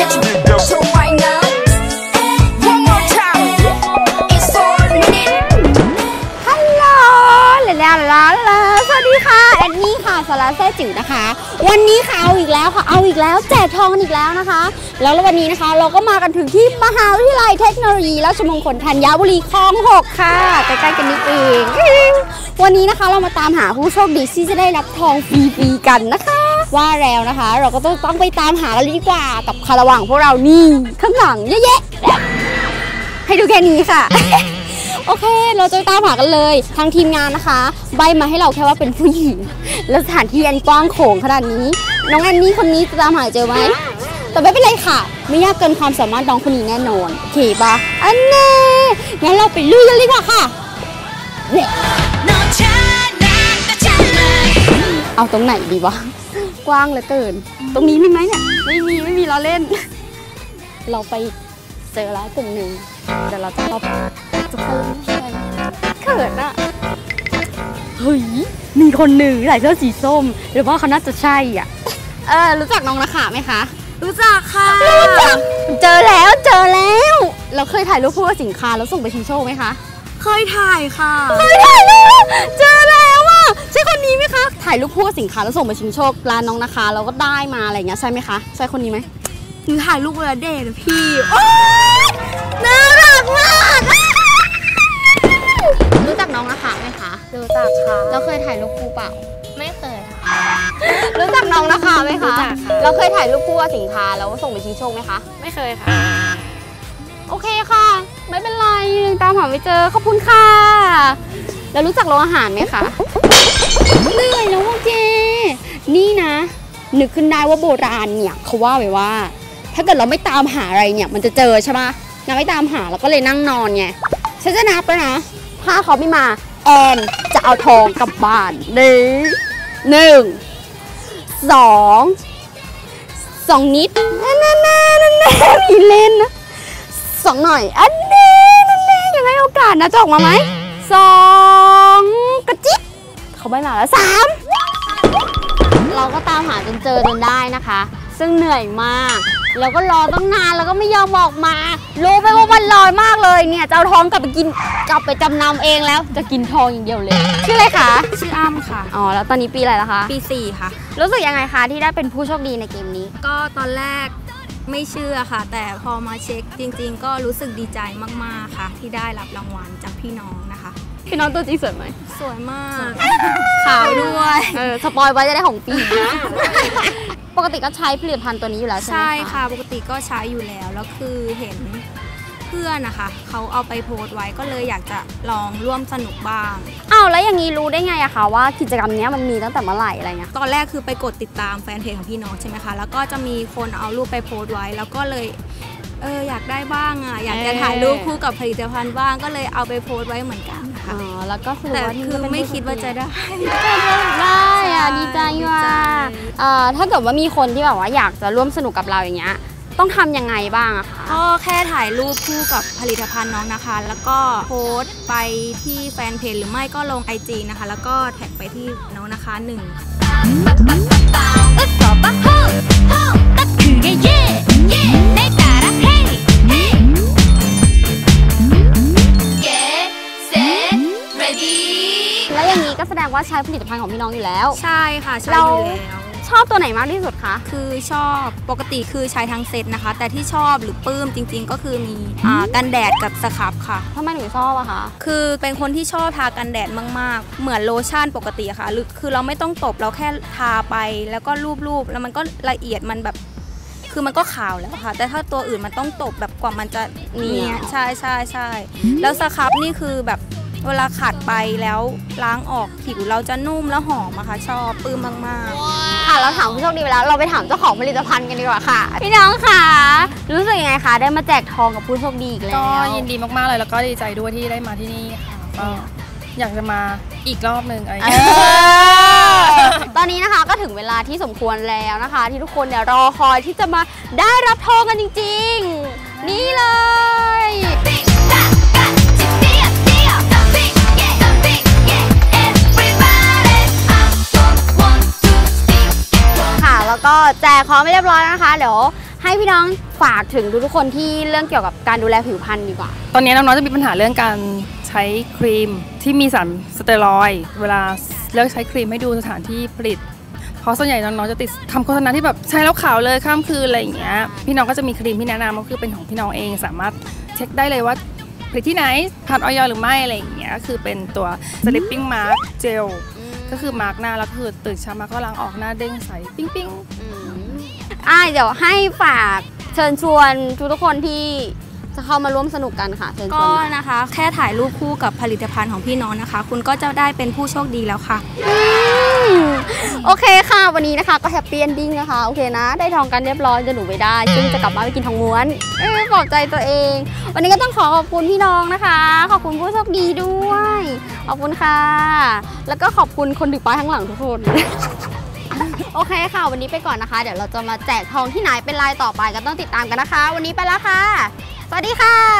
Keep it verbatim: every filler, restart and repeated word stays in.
So right now one more time it's four minutes ฮัลโหลลาลาลาลาสวัสดีค่ะแอนนี่ค่ะสาระแซ่จิ๋วนะคะวันนี้ค่ะเอาอีกแล้วค่ะเอาอีกแล้วแจกทองอีกแล้วนะคะแล้ววันนี้นะคะเราก็มากันถึงที่มหาวิทยาลัยเทคโนโลยีราชมงคลธัญบุรีคลองหกค่ะใกล้ๆกันนิดเองวันนี้นะคะเรามาตามหาผู้โชคดีที่จะได้รับทองฟรีๆกันนะคะว่าแล้วนะคะเราก็ต้องต้องไปตามหากันดีกว่ากับคาราวานพวกเรานี่ข้างหลังเยอะๆให้ดูแค่นี้ค่ะ โอเคเราจะตามหากันเลยทางทีมงานนะคะใบมาให้เราแค่ว่าเป็นผู้หญิงแล้วสถานที่อันกว้างโขงขนาดนี้น้องแอนนี่คนนี้จะตามหาเจอไหมแต่ไม่เป็นไรค่ะไม่ยากเกินความสามารถน้องคนนี้แน่นอนโอเคปะอันนี้งั้นเราไปลุยกันเลยค่ะค่ะเอาตรงไหนดีวะกว้างเหลือเกินตรงนี้มีไหมเนี่ยไม่มีไม่มีเราเล่นเราไปเจอแล้วกลุ่มหนึ่งเดี๋ยวเราจะเข้าไปจะเข้าเขินอะเฮ้ยมีคนหนึ่งใส่เสื้อสีส้มหรือว่าเขาน่าจะใช่อ่ะเออรู้จักน้องนะคะไหมคะรู้จักค่ะรู้จักเจอแล้วเจอแล้วเราเคยถ่ายรูปคู่กับสินค้าแล้วส่งไปชิงโชคไหมคะเคยถ่ายค่ะเคยถ่ายแล้วเจอแล้วอ่ะใช่คนนี้ไหมคะถ่ายรูปคู่กับสินค้าแล้วส่งไปชิงโชคร้านน้องนะคะเราก็ได้มาอะไรอย่างเงี้ยใช่ไหมคะใช่คนนี้ไหมหนูถ่ายรูปเวลาเดทนะพี่น่ารักมากรู้จักน้องนะคะไหมคะรู้จักค่ะเราเคยถ่ายรูปคู่เปล่าไม่เคยค่ะรู้จักน้องนะคะไหมคะเราเคยถ่ายรูปคู่กับสินค้าแล้วส่งไปชิงโชคไหมคะไม่เคยค่ะโอเคค่ะไม่เป็นไรตามหาไม่เจอขอบคุณค่ะแล้วรู้จักโรงอาหารไหมคะเหนื่อยแล้วโอเคนี่นะนึกขึ้นได้ว่าโบราณเนี่ยเขาว่าไว้ว่าถ้าเกิดเราไม่ตามหาอะไรเนี่ยมันจะเจอใช่ไหมเราไม่ตามหาเราก็เลยนั่งนอนไงฉันจะนับแล้วนะถ้าเขาไม่มาแอนจะเอาทองกลับบ้านหนึ่งหนึ่งสองสองนิดนั่นนั่นนั่นมีเล่นนะสองหน่อยอันนี้นั่นแหละยังไงโอกาสนะจะออกมาไหมสองกระจิ๊บเขาไม่มาแล้วสามเราก็ตามหาจนเจอจนได้นะคะซึ่งเหนื่อยมากแล้วก็รอตั้งนานแล้วก็ไม่ยอมออกมารู้ไปว่ามันลอยมากเลยเนี่ยจะเอาทองกลับไปกินกลับไปจำนำเองแล้วจะกินทองอย่างเดียวเลยชื่ออะไรคะชื่ออ้ำค่ะอ๋อแล้วตอนนี้ปีอะไรแล้วคะปีสี่ค่ะรู้สึกยังไงคะที่ได้เป็นผู้โชคดีในเกมนี้ก็ตอนแรกไม่เชื่อค่ะแต่พอมาเช็คจริงๆก็รู้สึกดีใจมากๆค่ะที่ได้รับรางวัลจากพี่น้องนะคะพี่น้องตัวจริงสวยไหมสวยมากขาวด้วยเออสปอยไว้จะได้ของปีปกติก็ใช้ผลิตภัณฑ์ตัวนี้อยู่แล้วใช่ไหมคะใช่ค่ะปกติก็ใช้อยู่แล้วแล้วคือเห็นเพื่อนนะคะเขาเอาไปโพสต์ไว้ก็เลยอยากจะลองร่วมสนุกบ้างอ้าวแล้วอย่างนี้รู้ได้ไงอะคะว่ากิจกรรมนี้มันมีตั้งแต่เมื่อไหร่อะไรเงี้ยตอนแรกคือไปกดติดตามแฟนเพจของพี่น้องใช่ไหมคะแล้วก็จะมีคนเอารูปไปโพสต์ไว้แล้วก็เลยเอออยากได้บ้างอะอยากจะถ่ายรูปคู่กับผลิตภัณฑ์บ้างก็เลยเอาไปโพสต์ไว้เหมือนกันค่ะอ๋อแล้วก็แต่คือไม่คิดว่าจะได้ได้อะดีใจว่าถ้าเกิดว่ามีคนที่แบบว่าอยากจะร่วมสนุกกับเราอย่างเงี้ยต้องทำยังไงบ้างอะคะก็แค่ถ่ายรูปคู่กับผลิตภัณฑ์น้องนะคะแล้วก็โพสต์ไปที่แฟนเพจหรือไม่ก็ลง ไอ จี นะคะแล้วก็แท็กไปที่น้องนะคะหนึ่งแล้วอย่างนี้ก็แสดงว่าใช้ผลิตภัณฑ์ของพี่น้องอยู่แล้วใช่ค่ะใช้อยู่แล้วชอบตัวไหนมากที่สุดคะคือชอบปกติคือใช้ทั้งเซตนะคะแต่ที่ชอบหรือปลื้มจริงๆก็คือมีกันแดดกับสครับค่ะทำไมหนูชอบอะคะคือเป็นคนที่ชอบทากันแดดมากๆเหมือนโลชั่นปกติค่ะหรือคือเราไม่ต้องตบเราแค่ทาไปแล้วก็รูปๆแล้วมันก็ละเอียดมันแบบคือมันก็ขาวแล้วค่ะแต่ถ้าตัวอื่นมันต้องตบแบบกว่ามันจะเนียนใช่ใช่ใช่แล้วสครับนี่คือแบบเวลาขัดไปแล้วล้างออกผิวเราจะนุ่มแล้วหอมอะค่ะชอบปลื้มมากๆค่ะเราถามผู้โชคดีไปแล้วเราไปถามเจ้าของผลิตภัณฑ์กันดีกว่าค่ะพี่น้องค่ะรู้สึกยังไงคะได้มาแจกทองกับผู้โชคดีอีกแล้วก็ยินดีมากๆเลยแล้วก็ดีใจด้วยที่ได้มาที่นี่ค่ะก็อยากจะมาอีกรอบหนึ่งอะไรตอนนี้นะคะก็ถึงเวลาที่สมควรแล้วนะคะที่ทุกคนเนี่ยรอคอยที่จะมาได้รับทองกันจริงๆนี่เลยแล้วก็แจกของไม่เรียบร้อยนะคะเดี๋ยวให้พี่น้องฝากถึงทุกๆคนที่เรื่องเกี่ยวกับการดูแลผิวพรรณดีกว่าตอนนี้น้องๆจะมีปัญหาเรื่องการใช้ครีมที่มีสารสเตียรอยด์เวลาเลือกใช้ครีมให้ดูสถานที่ผลิตเพราะส่วนใหญ่น้องๆจะติดคำโฆษณาที่แบบใช้แล้วขาวเลยข้ามคืนอะไรอย่างเงี้ยพี่น้องก็จะมีครีมที่แนะนำก็คือเป็นของพี่น้องเองสามารถเช็คได้เลยว่าผลิตที่ไหนผ่านออยหรือไม่อะไรอย่างเงี้ยคือเป็นตัว Sleeping Mask Gel ก็คือมาร์กหน้าแล้วคือตื่นเช้ามาก็ล้างออกหน้าเด้งใสปิ้งปิ้งอ่าเดี๋ยวให้ฝากเชิญชวนทุกๆคนที่จะเข้ามาร่วมสนุกกันค่ะเชิญชวนก็นะคะแค่ถ่ายรูปคู่กับผลิตภัณฑ์ของพี่น้องนะคะคุณก็จะได้เป็นผู้โชคดีแล้วค่ะโอเคค่ะวันนี้นะคะก็แฮปปี้เอนดิ้งนะคะโอเคนะได้ทองกันเรียบร้อยจะหนูไปได้ซึ่งจะกลับมาไปกินทองม้วนเออปลอบใจตัวเองวันนี้ก็ต้องขอขอบคุณพี่น้องนะคะขอบคุณผู้โชคดีด้วยขอบคุณค่ะแล้วก็ขอบคุณคนถือป้ายข้างหลังทุกคนโอเคค่ะวันนี้ไปก่อนนะคะเดี๋ยวเราจะมาแจกทองที่ไหนเป็นรายต่อไปก็ต้องติดตามกันนะคะวันนี้ไปแล้วค่ะสวัสดีค่ะ